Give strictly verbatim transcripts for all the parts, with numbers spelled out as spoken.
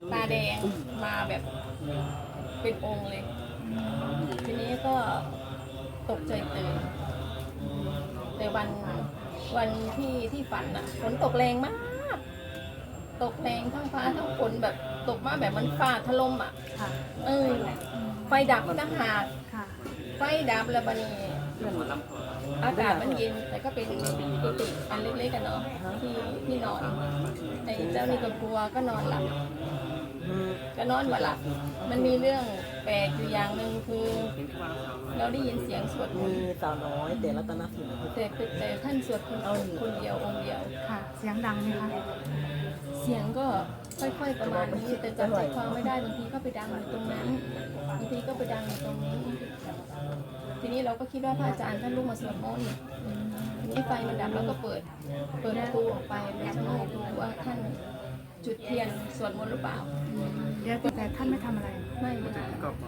ตาแดงมาแบบเป็นองค์เลย ทีนี้ก็ตกใจตื่นแต่วันวันที่ที่ฝันอะฝนตกแรงมาก ตกแรงทั้งฟ้าทั้งฝนแบบตกมาแบบมันฟ้าถล่มอ่ะเออไฟดับตั้งหากไฟดับแล้วบัดนี้อากาศมันเย็นแต่ก็เป็นกุฏิอันเล็กๆกันเนาะที่ที่นอนไอ้เจ้านี่ก็กลัวก็นอนหลับก็นอนบ่หลับมันมีเรื่องแปลกอยู่อย่างหนึ่งคือเราได้ยินเสียงสวดมนต์มีสาวน้อยแต่รัตนศิลป์แต่แต่ท่านสวดคนคนเดียวองค์เดียวค่ะเสียงดังไหมคะเสียงก็ค่อยๆประมาณนี้แต่จำใจความไม่ได้บางทีก็ไปดังอยู่ตรงนั้นบางทีก็ไปดังอยู่ตรงนี้ ทีนี้เราก็คิดว่าพระอาจารย์ท่านลุกมาสวดมนต์ทีนี้ไฟมันดับแล้วก็เปิดเปิดประตูออกไปแล้วชะโงกดูว่าท่านจุดเทียนสวดมนต์หรือเปล่าเดี๋ยวแต่ท่านไม่ทำอะไรไม่ไม่ได้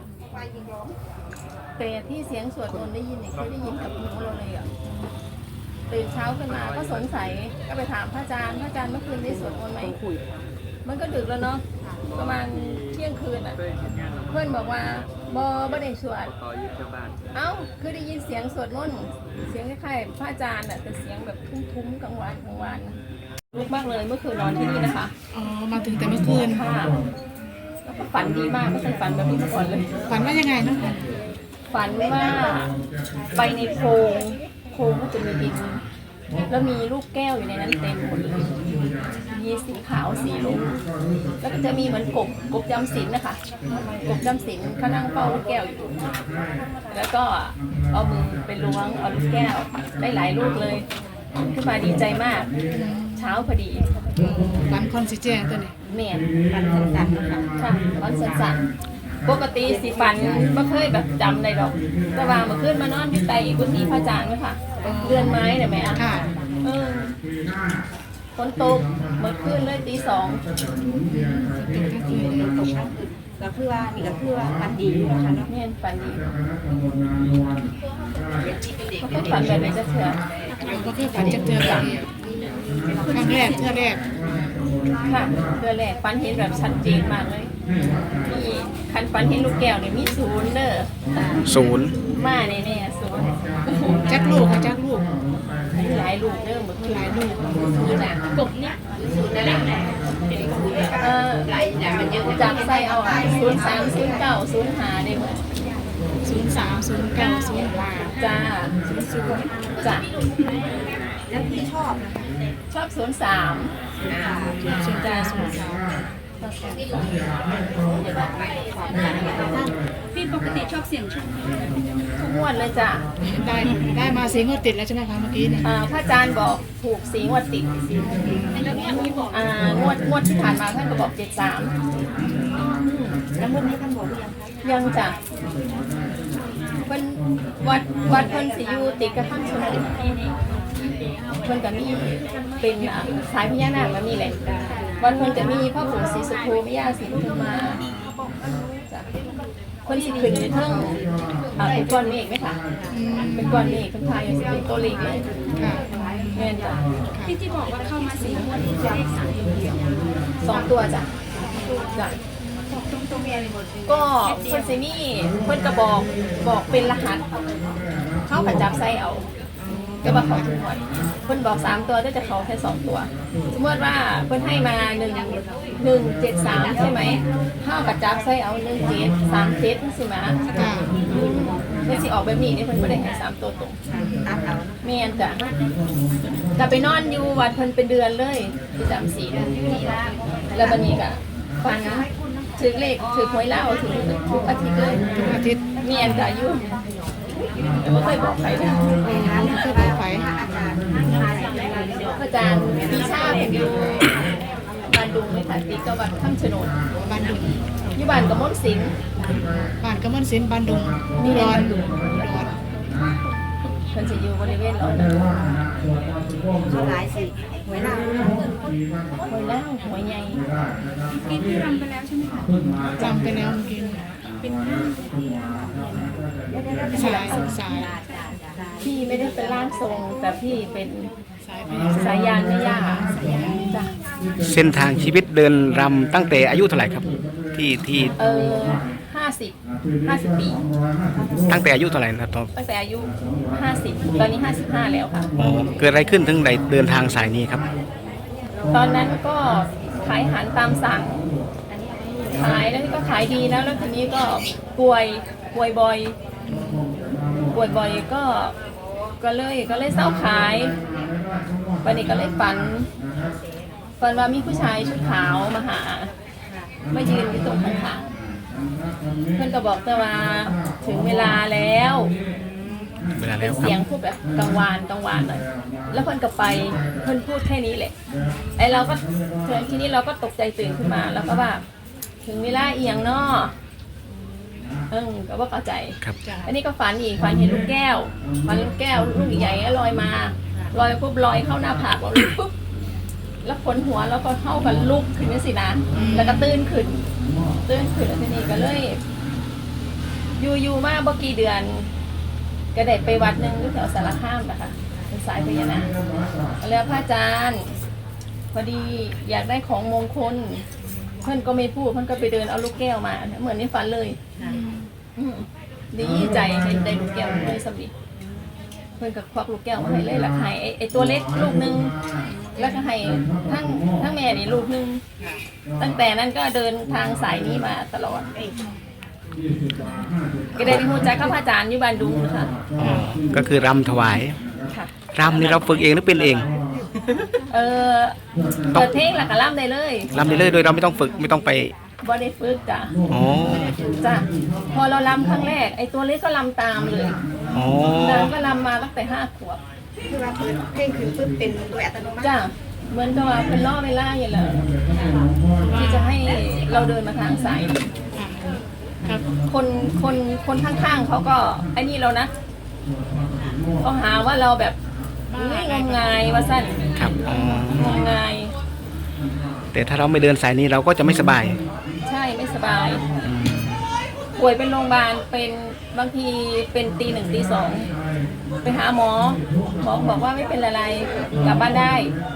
แต่ที่เสียงสวดมนต์ได้ยินเนี่ยเคยได้ยินกับหูเราเลยอ่ะตื่นเช้าขึ้นมาก็สงสัยก็ไปถามพระอาจารย์พระอาจารย์เมื่อคืนได้สวดมนต์ไหมมันก็ดึกแล้วเนาะประมาณเที่ยงคืนอ่ะเพื่อนบอกว่าบอบอได้สวดเอ้าคือได้ยินเสียงสวดมนต์เสียงคล้ายๆพระอาจารย์อ่ะแต่เสียงแบบทุ้มๆกลางวันกลางวันลุกมากเลยเมื่อคืนนอนที่นี่นะคะอ๋อมาถึงแต่เมื่อคืนค่ะแล้วก็ฝันดีมากไม่เคยฝันแบบนี้มาก่อนเลยฝันว่ายังไงนะฝันว่าไปในโพรงโพรงก็จะมีดินแล้วมีลูกแก้วอยู่ในนั้นเต็มหมดเลยมีสีขาวสีลุงแล้วก็จะมีเหมือนกบกบจำศีลนะคะกบจำศีลเขานั่งเฝ้าลูกแก้วอยู่แล้วก็เอามือไปล้วงเอาลูกแก้วได้หลายลูกเลยขึ้นมาดีใจมากเช้าพอดีฝันคอนสิแจ้งตัวนี้แม่นฝันสั้นๆค่ะค่ะฝันสั้นๆปกติสิฝันไม่เคยแบบจำได้ดอกแต่ว่าเมื่อคืนมานอนอยู่ใต้กุฏิพระอาจารย์ไหมค่ะเรือนไม้เนี่ยแม่ค่ะเออฝนตกเมื่อคืนเลยตีสองก็คือว่านี่ก็คือว่ามันดีนะคะเนาะแม่นฝันดีเขาก็ฝันแบบไหนจะเถื่อเราก็คือฝันจะเจอกันครั้งแรกเทื่อแรกค่ะเทื่อแรกฝันเห็นแบบชัดเจนมากเลยนี่คันฝันเห็นลูกแก้วเนี่ยมีศูนย์เด้อศูนย์มาแน่ๆศูนย์จักลูกค่ะจักลูกหลายลูกเด้อเมื่อคืนหลายลูกกบเนี่ยเออจากไส้เอาอ่ะศูนย์สามศูนย์เก้าศูนย์ห้าได้หมดศูนย์สามศูนย์เก้าศูนย์ห้าจ้าจ้าแล้วที่ชอบนะคะชอบศูนย์สามศูนย์เก้าศูนย์สามพี่ปกติชอบเสียงโชคทุกงวดเลยจ้ะได้ได้มาสีงวดติดแล้วใช่ไหมคะเมื่อกี้เนี่ยอ่าพระอาจารย์บอกถูกสีงวดติดอ่างวดงวดที่ผ่านมาท่านก็บอกเจ็ดสามแล้ววันนี้ท่านบอกหรือยังคะยังจ้ะเพิ่นวัดวัดเพิ่นสิอยู่ติดกับข้างชนบทเพิ่นก็มีเป็นอ่ะสายพญานาคก็มีแหละวัดเพิ่นจะมีพ่อปู่ศรีสุโธแม่ย่าศรีปทุมมาจ้ะเพิ่นสิขึ้นในเทิงอ่าเป็นก้อนเมฆไหมคะอืมเป็นก้อนเมฆข้างท้ายสิเป็นตัวเล็กเลยค่ะแม่นจ้ะที่ที่บอกว่าเข้ามาสี่งวดนี่คือเลขสามตัวเดียวสองตัวจ้ะจ้ะบอกตรงๆมีอะไรหมดเลยก็เพิ่นสิมีเพิ่นก็บอกบอกเป็นรหัสเข้ากับจับไส้เอาก็ว่าเขาทุกคนเพิ่นบอกสามตัวก็จะเขาแค่สองตัวสมมติว่าเพิ่นให้มาหนึ่งหนึ่งเจ็ดสามใช่ไหมเข้ากับจับไส้เอาหนึ่งเจ็ดสามเจ็ดใช่ไหมค่ะเพิ่นสิออกแบบนี้เนี่ยเพิ่นไม่ได้ให้สามตัวตรงตัดเอาแม่นจ้ะจะไปนอนอยู่วัดเพิ่นเป็นเดือนเลยประจำศีลแล้วบัดนี้ก็ฟังถือเลขถือหวยเหล้าถือทุกอาทิตย์เลยทุกอาทิตย์เมียนจ้ะอยู่แต่ไม่เคยบอกใครนะเพื่อบอกไฟอาจารย์ปีชาเป็นอยู่บ้านดุงเลยค่ะติดกับวัดข้ามโฉนดบ้านดุงอยู่บ้านกับมนต์สิงห์บ้านกระมวลศิลป์บ้านดุงอุดรอุดรเพิ่นจะอยู่บริเวณเรานะเขาหลายสิหวยเราหวยเหล้าหวยใหญ่กินที่รำไปแล้วใช่ไหมคะจำไปแล้วเมื่อกี้เป็นสายสายพี่ไม่ได้เป็นร่างทรงแต่พี่เป็นสายไปสายยานแม่ย่าจ้ะเส้นทางชีวิตเดินรำตั้งแต่อายุเท่าไหร่ครับ ที่ที่เออห้าสิบห้าสิบปีตั้งแต่อายุเท่าไหร่นะตอนตั้งแต่อายุห้าสิบตอนนี้ห้าสิบห้าแล้วค่ะอ๋อเกิดอะไรขึ้นถึงได้เดินทางสายนี้ครับตอนนั้นก็ขายอาหารตามสั่ง ขายแล้วก็ขายดีแล้วแล้วทีนี้ก็ป่วยป่วยบ่อยป่วยบ่อยก็ก็เลยก็เลยเศร้าขายวันนี้ก็เลยฝันฝันว่ามีผู้ชายชุดขาวมาหามายืนอยู่ตรงข้างๆเพื่อนก็บอกแต่ว่าถึงเวลาแล้วเวลาเป็แล้นวครัเสียงบพูดแบบกังวานกังวานหน่อยแล้วเพื่อนก็ไปเพื่อนพูดแค่นี้แหละไอเราก็เทีนี้เราก็ตกใจตื่นขึ้นมาแล้วก็ว่าถึงเวลาเอียงเนาะเออก็ว่าเข้าใจครับอันนี้ก็ฝันอีกฝันเห็นลูกแก้วฝันลูกแก้วลูกใหญ่ๆลอยมาลอยปุ๊บลอยเข้าหน้าผากเราปุ๊บแล้วขนหัวแล้วก็เข้ากันลุกขึ้นนี่สินะแล้วก็ตื่นขึ้นตื่นขึ้นแล้วทีนี้ก็เลยอยู่อยู่มาเมื่อกี่เดือน ก็ได้ไปวัดหนึ่งที่แถวสารคามนะคะเป็นสายพญานาคแล้วพระอาจารย์พอดีอยากได้ของมงคลเพื่อนก็ไม่พูดเพื่อนก็ไปเดินเอาลูกแก้วมาเหมือนในฝันเลยอืมดีใจให้ได้ลูกแก้วเลยสำลีเพื่อนก็ควักลูกแก้วมาให้เลยแล้วให้ไอ้ไอ้ตัวเล็กลูกนึงแล้วก็ให้ทั้งทั้งแม่นี่ลูกนึงตั้งแต่นั้นก็เดินทางสายนี้มาตลอดก็ได้ที่หัวใจข้าพเจ้าอยู่บ้านดุงนะคะอ๋อก็คือรำถวายค่ะรำนี่เราฝึกเองหรือเป็นเองเออเปิดเพลงหลักกะล่ำได้เลยรำได้เลยโดยเราไม่ต้องฝึกไม่ต้องไปบ่ได้ฝึกจ้ะอ๋อจ้ะพอเราลำครั้งแรกไอ้ตัวเล็กก็ลำตามเลยอ๋อนางก็ลำมาตั้งแต่ห้าขวบคือว่าเปิดเพลงขึ้นปุ๊บเป็นโดยอัตโนมัติจ้ะเหมือนกับว่าเป็นล่อเวลาอย่างเลยที่จะให้เราเดินมาทางสายนี้ครับคนคนคนข้างๆเขาก็ไอ้นี่เรานะเขาหาว่าเราแบบไม่งมงายว่าสั้นครับอ๋องมงายแต่ถ้าเราไม่เดินสายนี้เราก็จะไม่สบายใช่ไม่สบายอืมป่วยเป็นโรงพยาบาลเป็นบางทีเป็นตีหนึ่งตีสองไปหาหมอหมอบอกว่าไม่เป็นอะไรกลับบ้านได้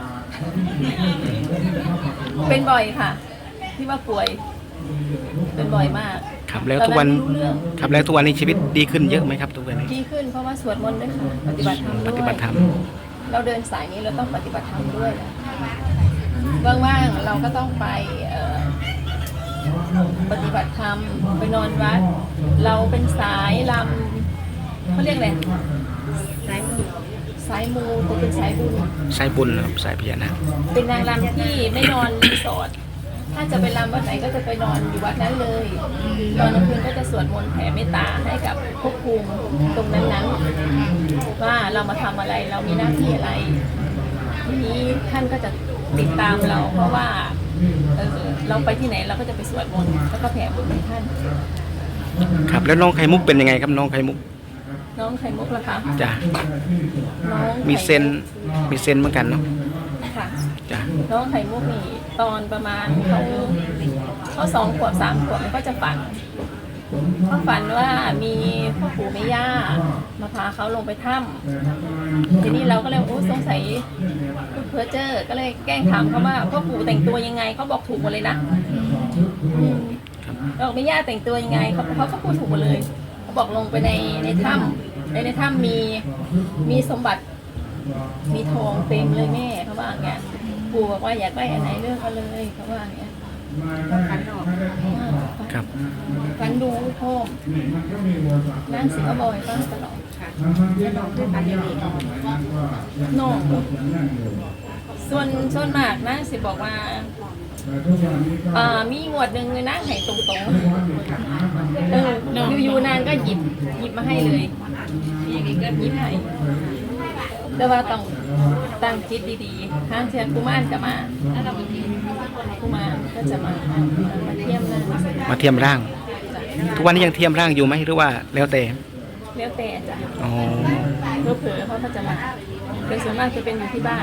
เป็นบ่อยค่ะ ที่ว่าป่วย เป็นบ่อยมากครับแล้วทุกวันตอไม่รู้เรื่องครับแล้วทุกวันนี้ชีวิตดีขึ้นเยอะไหมครับทุกวันนี้ดีขึ้นเพราะว่าสวดมนต์ด้วยค่ะปฏิบัติธรรมด้วยปฏิบัติธรรมเราเดินสายนี้เราต้องปฏิบัติธรรมด้วยว่างๆเราก็ต้องไปเอ่อปฏิบัติธรรมไปนอนวัด เราเป็นสายลำเขาเรียกอะไรสายมือสายมูก็เป็นสายบุญสายบุญนะครับสายพญานาคเป็นนางรำที่ไม่นอนรีสอร์ทถ้าจะไปรำวัดไหนก็จะไปนอนอยู่วัดนั้นเลยตอนกลางคืนก็จะสวดมนต์แผ่เมตตาให้กับภพภูมิตรงนั้นๆว่าเรามาทำอะไรเรามีหน้าที่อะไรทีนี้ท่านก็จะติดตามเรา เพราะว่าเออเราไปที่ไหนเราก็จะไปสวดมนต์แล้วก็แผ่บุญให้ท่านครับแล้วน้องไข่มุกเป็นยังไงครับน้องไข่มุกน้องไข่มุกล่ะคะจ้ะน้องไข่มีเซนมีเซนเหมือนกันเนาะค่ะจ้ะน้องไข่มุกนี่ตอนประมาณเขาเขาสองขวบสามขวบมันก็จะฝันเขาฝันว่ามีพ่อปู่แม่ย่ามาพาเขาลงไปถ้ำทีนี้เราก็เลยโอ้สงสัยพูดเพ้อเจ้อก็เลยแกล้งถามเขาว่าพ่อปู่แต่งตัวยังไงเขาบอกถูกหมดเลยนะอืมเราบอกแม่ย่าแต่งตัวยังไงเขาเขาก็พูดถูกหมดเลยเขาบอกลงไปในในถ้ำในในถ้ำมีมีสมบัติ มีทองเต็มเลยแม่เขาว่าอย่างเงี้ยปู่บอกว่าอยากได้อันไหนเลือกเอาเลยเขาว่าอย่างเงี้ยขันออกครับฟันดูพ่อนั่งสิก็บอยฟังตลอดค่ะแล้วน้องคือการเรียนเองน้องส่วนส่วนมากนั่งสิบอกว่าอ่ามีงวดหนึ่งเลยนั่งให้ตรงๆเอออยู่ๆนางก็หยิบหยิบมาให้เลยอย่างนี้ก็หยิบให้แต่ว่าต้องตั้งจิตดีๆห้างเชียร์กุมารก็มากุมารก็จะมามาเทียมนางมาเทียมร่าง ทุกวันนี้ยังเทียมร่างอยู่ไหมหรือว่าแล้วแต่แล้วแต่จ้ะอ๋อเผลอๆเขาก็จะมาโดยส่วนมากจะเป็นอยู่ที่บ้าน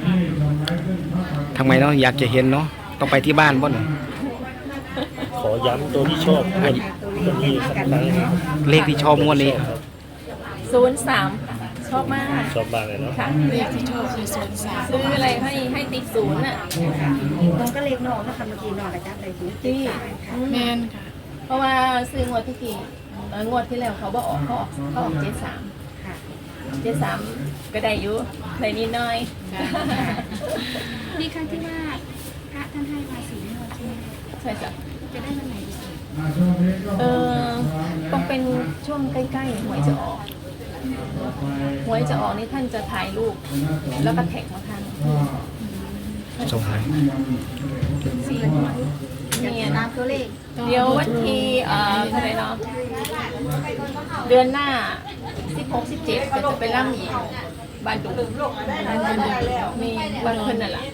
ทำไมเนาะอยากจะเห็นเนาะต้องไปที่บ้านบ่เนาะขอย้ำตัวที่ชอบตัวนี้สักครั้งเลขที่ชอบงวดนี้ศูนย์สามชอบมากชอบมากเลยเนาะค่ะเลขที่ชอบคือศูนย์สามซื้ออะไรให้ให้ติดศูนย์อ่ะน้องก็เล็กน้องนะคะเมื่อกี้น้องกระจับเลยคือที่ค่ะแมนค่ะเพราะว่าซื้องวดที่กี่เอ่องวดที่แล้วเขาบอกออกเขาออกเขาออกเจ็ดสามค่ะเจ็ดสามก็ได้อยู่ในนิดหน้อยมีครั้งที่ว่าพระท่านให้ภาษีงวดใช่ไหมใช่จ้ะจะได้วันไหนดีเออต้องเป็นช่วงใกล้ๆหวยจะออกหวยจะออกนี่ท่านจะถ่ายรูปแล้วก็แท็กมาทางส่งให้สี่เนี่ยตามตัวเลขเดี๋ยววันที่เอ่อเท่าไหร่เนาะเดือนหน้าสิบหก สิบเจ็ดก็จะไปร่ำอีกบ้านดุมีบ้านเพิ่นนั่นแหละ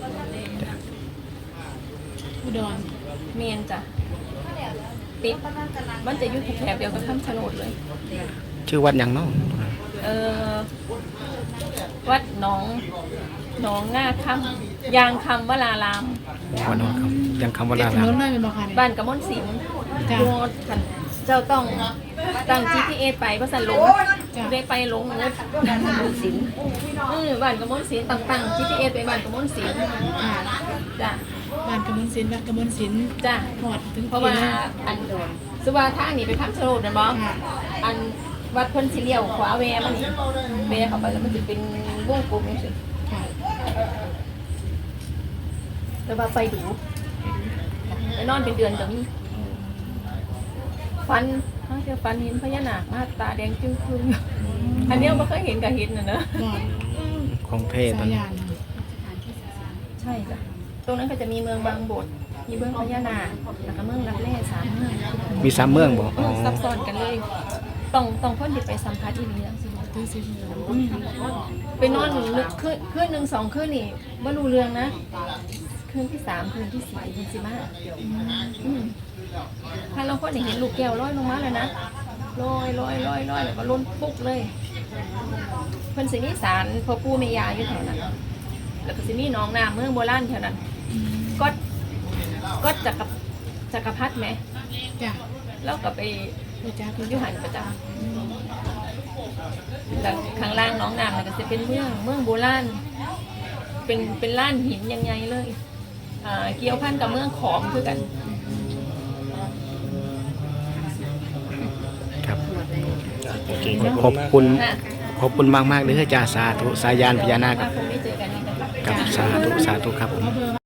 อุดรเมียนจ้ะติดมันจะอยู่แถบเดียวกับคำชะโนดเลยชื่อวัดหยังเนาะเออวัดหนองหนองง่าคำยางคำวลารามวัดโนนครับยังคำว่าเด็กลาถลานนเลยเป็นบ่ค่ะเนี่ยบ้านกระมอนสินจ้ะดูขันเจ้าต้องตั้ง จี พี เอส ไปภาษาหลงจ้ะได้ไปหลงงดสินเออบ้านกระมอนสินต่างๆ จี พี เอส ไปบ้านกระมอนสินค่ะจ้ะบ้านกำมลศิลป์บ้านกำมลศิลป์จ้ะหอดถึงเพราะว่าอันสุวาทางนี่ไปคำชะโนดนะบอค่ะอันวัดเพิ่นสิเลี้ยวขวาแวมันนี่แวเข้าไปแล้วมันจะเป็นวงกลมนี่สิค่ะแต่ว่าไปดูไปนอนเป็นเดือนก็มีฟันทั้งเที่ยวฟันเห็นพญานาคมาตาแดงจึ้งครึ้งอันเนี้ยไม่เคยเห็นกับเห็นนะเนอะบอดของเทศตอสาน ยนี้ยานใช่จ้ะตรงนั้นก็จะมีเมืองบางบดมีเมืองพญานาคแล้วก็เมืองรับแร่สามเมืองมีสามเมืองบ่เออ๋ออซับซ้อนกันเลย ต้องต้องคนที่ไปสัมผัสอีนี้แล้วสิตื้อสิบอืมไปนอนนึกคืนคืนหนึ่งสองคืนนี่ไม่รู้เรื่องนะคืนที่สามคืนที่สี่คืนสิมาอืมถ้าเราคนเห็นลูกแก้วลอยลงมาเลยนะลอยลอยลอยลอยแล้วก็ล้นปุ๊บเลยเพิ่นสิมีสารพ่อปู่แม่ย่าอยู่แถวนั้นแล้วก็สิมีหนองน้ำเมืองโบราณแถวนั้นก็ก็จักรจักรพรรดิไหมจ้ะแล้วก็ไปไปจ้าอยุหันประจำแล้วข้างล่างหน้องน้ำเนี่ยก็จะเป็นเมืองเมืองโบราณเป็นเป็นล้านหินยังไงเลยอ่าเกี่ยวพันกับเมืองขอมคือกันครับโอเคขขออบบคุณมากคุณนะขอบคุณมากมากๆเลยจ้าสาธุสายานพญานาคถ้าคงไม่เจอกันนี่นะคะกับสาธุสาธุครับผมเอาเบอร์